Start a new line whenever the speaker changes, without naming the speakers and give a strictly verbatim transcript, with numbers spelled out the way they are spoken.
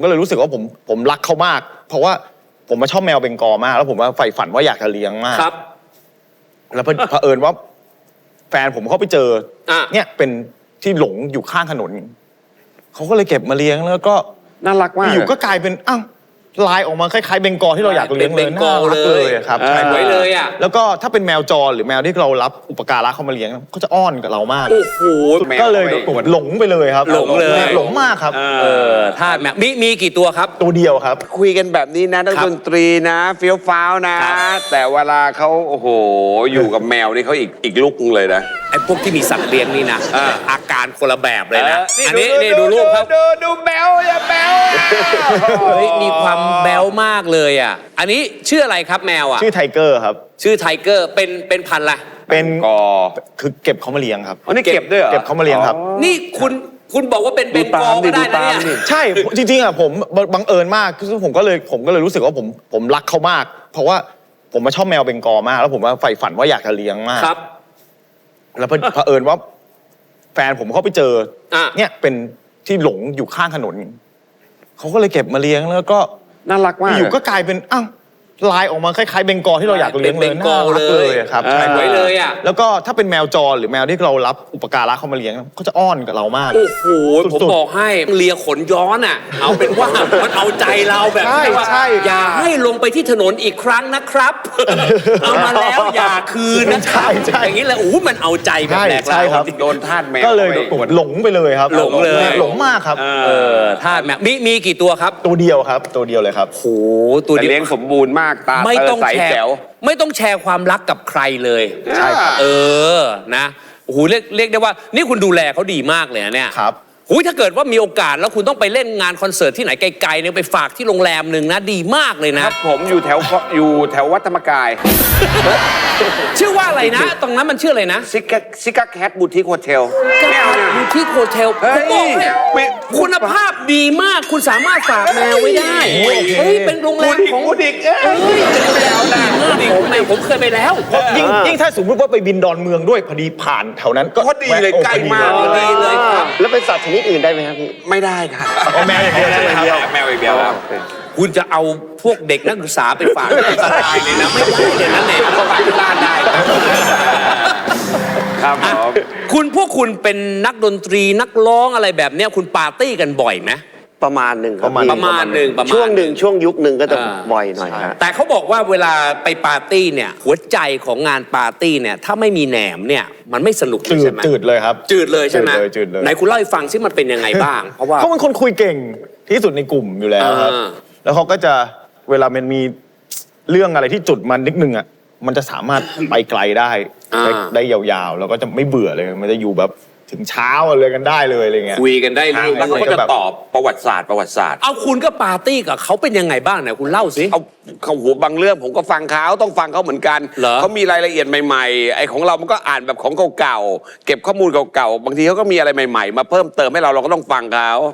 ก็เลยรู้สึกว่าผมผมรักเขามาก เพราะว่าผมมาชอบแมวเบงกอลมากแล้วผมว่าใฝ่ฝันว่าอยากจะเลี้ยงมาก
ครับ
แล้วเผอิญว่าแฟนผมเขาไปเจอเนี่ยเป็นที่หลงอยู่ข้างถนนเขาก็เลยเก็บมาเลี้ยงแล้วก็
น่ารักมาก
อยู่ก็กลายเป็นอ้าวลายออกมาคล้ายๆเบงกอลที่เราอยากเลี้ยงเลยน่ารักเลยครับ
ใช่ไว้เลยอ่ะ
แล้วก็ถ้าเป็นแมวจรหรือแมวที่เรารับอุปการะเขามาเลี้ยงก็จะอ้อนกับเรามาก
โอ้โห
ก็เลยหลงไปเลยครับ
หลงเลย
หลงมากครับ
เออถ้าแมวมีมีกี่ตัวครับ
ตัวเดียวครับ
คุยกันแบบนี้นะนักดนตรีนะเฟี้ยวฟ้าวนะแต่เวลาเขาโอ้โหอยู่กับแมวนี่เขาอีกอีกลุกเลยนะ
ไอ้พวกที่มีสัตว์เลี้ยงนี่นะอาการคนละแบบเลยนะอันนี้นี่ดูรูปครับ
ดูดูแบลอย่าแบล
เฮ้ยมีความแบลมากเลยอ่ะอันนี้ชื่ออะไรครับแมวอ่ะ
ชื่อไทเกอร์ครับ
ชื่อไทเกอร์เป็นเป็นพันธุ์อะไร
เป็น
กอ
คือเก็บเขามาเลี้ยงครับ
อ๋อนี่เก็บด้วยเหรอ
เก็บเขามาเลี้ยงครับ
นี่คุณคุณบอกว่าเป็นเบงกอลก็ได้นะเนี่ย
ใช่จริงๆอ่ะผมบังเอิญมากคือผมก็เลยผมก็เลยรู้สึกว่าผมผมรักเขามาก เพราะว่าผมมาชอบแมวเบงกอลมากแล้วผมว่าใฝ่ฝันว่าอยากจะเลี้ยงมาก
ครับ
แล้วเผอิญว่าแฟนผมเขาไปเจอเนี่ยเป็นที่หลงอยู่ข้างถนนเขาก็เลยเก็บมาเลี้ยงแล้วก็
น่ารักมาก
อยู่ก็กลายเป็นอ้าวลายออกมาคล้ายๆเบงกอลที่เราอยากเลี้ยงเลยน่ารักเลยครับ
ใช่ไว้เลยอ่ะ
แล้วก็ถ้าเป็นแมวจรหรือแมวที่เรารับอุปการะเขามาเลี้ยงก็จะอ้อนกับเรามาก
โอ้โหผมบอกให้เลียขนย้อนอ่ะเอาเป็นว่ามันเอาใจเราแบบว่าอย่าให้ลงไปที่ถนนอีกครั้งนะครับเอามาแล้วอย่าคืนนะครับอย่างนี้แหละโอ้มันเอาใจแบบแหลกลาย
โดนทาสแมว
ก็เลยหลงไปเลยครับ
หลงเลย
หลงมากครับ
เออทาสแมวมีมีกี่ตัวครับ
ตัวเดียวครับตัวเดียวเลยครับ
โอ้ตัวเดียว
เลี้ยงสมบูรณ์มากตา
ไม่ต้องแชร์ไม่ต้องแชร์ความรักกับใครเลย
ใช่ครับ
เออนะโอ้โหเรียกเรียกได้ว่านี่คุณดูแลเขาดีมากเลยนะเนี่ย
ครับ
หูยถ้าเกิดว่ามีโอกาสแล้วคุณต้องไปเล่นงานคอนเสิร์ตที่ไหนไกลๆเนี่ยไปฝากที่โรงแรมหนึ่งนะดีมากเลยนะครับ
ผมอยู่แถวอยู่แถววัดธรรมกาย
ชื่อว่าอะไรนะตรงนั้นมันชื่ออะไรนะ
ซิกซิกาแคทบูติคโฮเทล
บูติคโฮเทลผมบอกให้คุณภาพดีมากคุณสามารถฝากแมวไว้ได้เฮ้ยเป็นโรงแรมของ
บูติกเอ้ย
เป็นแมวดีมากผมแมวผมเคยไปแล้ว
ยิ่งยิ่งถ้าสมมติว่าไปบินดอนเมืองด้วยพอดีผ่านแถวนั้นก็
พอดีเลยใกล้มาก
ดีเลยครับ
แล้วเป็นสัตว์ชนิดอื่นได้ไหมครับพี่
ไม่ได้ครับ
แมวอย่างเดียวใช่ไหมครับ
แมวอย่างเดียวครับ
คุณจะเอาพวกเด็กนักศึกษาไปฝากอันตรายเลยนะไม่ได้เลยนะเนี่ยเขาฝากที่บ้านได้
ครับ
คุณพวกคุณเป็นนักดนตรีนักร้องอะไรแบบเนี้ยคุณปาร์ตี้กันบ่อยไหม
ประมาณหนึ่งครับ
ประมาณหนึ่ง
ช่วงหนึ่งช่วงยุคหนึ่งก็จะบ่อยหน่อยครับ
แต่เขาบอกว่าเวลาไปปาร์ตี้เนี่ยหัวใจของงานปาร์ตี้เนี่ยถ้าไม่มีแหนมเนี่ยมันไม่สนุกใช่ไหม
จืดเลยครับ
จืดเลยใช่ไหม
จืดเลย
ไหนคุณเล่าให้ฟังซิมันเป็นยังไงบ้างเพราะว่า
เขาเป็นคนคุยเก่งที่สุดในกลุ่มอยู่แล้วครับแล้วเขาก็จะเวลามันมีเรื่องอะไรที่จุดมันนิดนึงอ่ะมันจะสามารถไปไกลได้ได้ยาวๆแล้วก็จะไม่เบื่อเลยมันจะอยู่แบบถึงเช้าเลยกันได้เลยอะไรเงี้ย
คุยกันได้เรื่อง
แล้วเขาก็จะตอบประวัติศาสตร์ประวัติศาสตร์
เอาคุณก็ปาร์ตี้กับเขาเป็นยังไงบ้างเนี่ยคุณเล่าสิ
เอาเขาหัวบางเรื่องผมก็ฟังเขาต้องฟังเขาเหมือนกันเขามีรายละเอียดใหม่ๆไอ้ของเรามันก็อ่านแบบของเก่าๆเก็บข้อมูลเก่าๆบางทีเขาก็มีอะไรใหม่ๆมาเพิ่มเติมให้เราเราก็ต้องฟังเขา